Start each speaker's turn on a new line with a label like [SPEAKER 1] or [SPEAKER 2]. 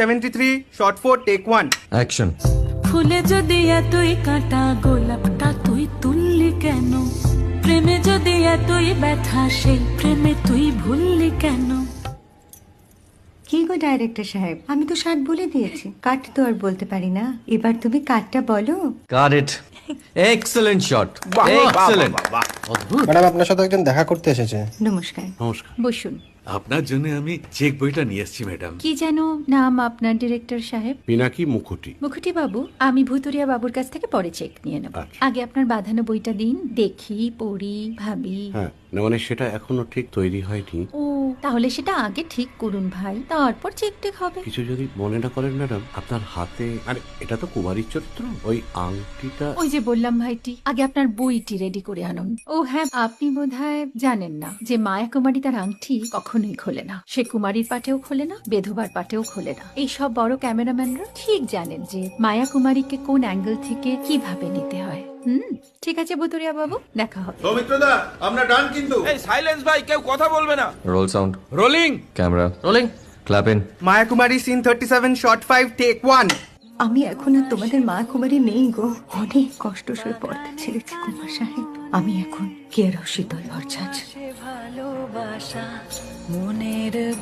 [SPEAKER 1] 73 shot 4 take 1
[SPEAKER 2] action.
[SPEAKER 3] ফুলে যদি এতই কাঁটা গোলাপটা তুই তুললি কেন? প্রেমে যদি এতই ব্যথা সেই প্রেমে তুই ভুললি কেন?
[SPEAKER 4] কি গো ডাইরেক্টর সাহেব, আমি তো 60 বলে দিয়েছি, কাট তো আর বলতে পারি না, এবার তুমি কাটটা বলো।
[SPEAKER 2] Got it. Excellent shot, excellent.
[SPEAKER 5] Madam আপনার সাথে একজন দেখা করতে এসেছে।
[SPEAKER 4] নমস্কার।
[SPEAKER 6] নমস্কার।
[SPEAKER 7] বসুন।
[SPEAKER 6] আপনার জন্য আমি চেক বইটা নিয়ে এসেছি ম্যাডাম।
[SPEAKER 7] কি যেন নাম আপনার ডিরেক্টর সাহেব?
[SPEAKER 6] পিনাকি মুখোটি।
[SPEAKER 7] মুখুটি বাবু, আমি ভুতুরিয়া বাবুর কাছ থেকে পরে চেক নিয়ে নেব।
[SPEAKER 6] আচ্ছা।
[SPEAKER 7] আগে আপনার বাঁধানো বইটা দিন, দেখি, পড়ি, ভাবি।
[SPEAKER 6] হ্যাঁ, না মানে সেটা এখনো ঠিক তৈরি হয়নি।
[SPEAKER 7] ও, তাহলে সেটা আগে ঠিক করুন ভাই, তারপর চেক টেক হবে।
[SPEAKER 6] কিছু যদি মনে না করেন ম্যাডাম, আপনার হাতে, আরে এটা তো কুমারীর চরিত্র, ওই আংটিটা।
[SPEAKER 7] ওই যে বললাম ভাইটি, আগে আপনার বইটি রেডি করে আনুন। ও হ্যাঁ, আপনি বোধহয় জানেন না যে মায়া কুমারী তার আংটি কখনোই খোলে না। সে কুমারীর পাটেও খোলে না, বেধবার পাটেও খোলে না। এই সব বড় ক্যামেরাম্যানরা ঠিক জানেন যে মায়া কুমারীকে কোন অ্যাঙ্গেল থেকে কিভাবে নিতে হয়। ঠিক আছে বুতুরিয়া বাবু, দেখা হবে।
[SPEAKER 8] সৌমিত্রদা আমরা ডান কিন্তু।
[SPEAKER 1] এই সাইলেন্স ভাই, কেউ কথা বলবে না।
[SPEAKER 2] Roll sound,
[SPEAKER 1] rolling
[SPEAKER 2] camera rolling, clap in.
[SPEAKER 1] Maya Kumari scene 37 shot 5 take 1
[SPEAKER 4] আমি এখন আর তোমাদের মা কুমারী নেই গো, অনেক কষ্ট সয়ে পড়তে ছেড়েছি কুমার সাহেব। আমি এখন কেরও শীতল ভরছাছ।
[SPEAKER 3] ভালোবাসা মনের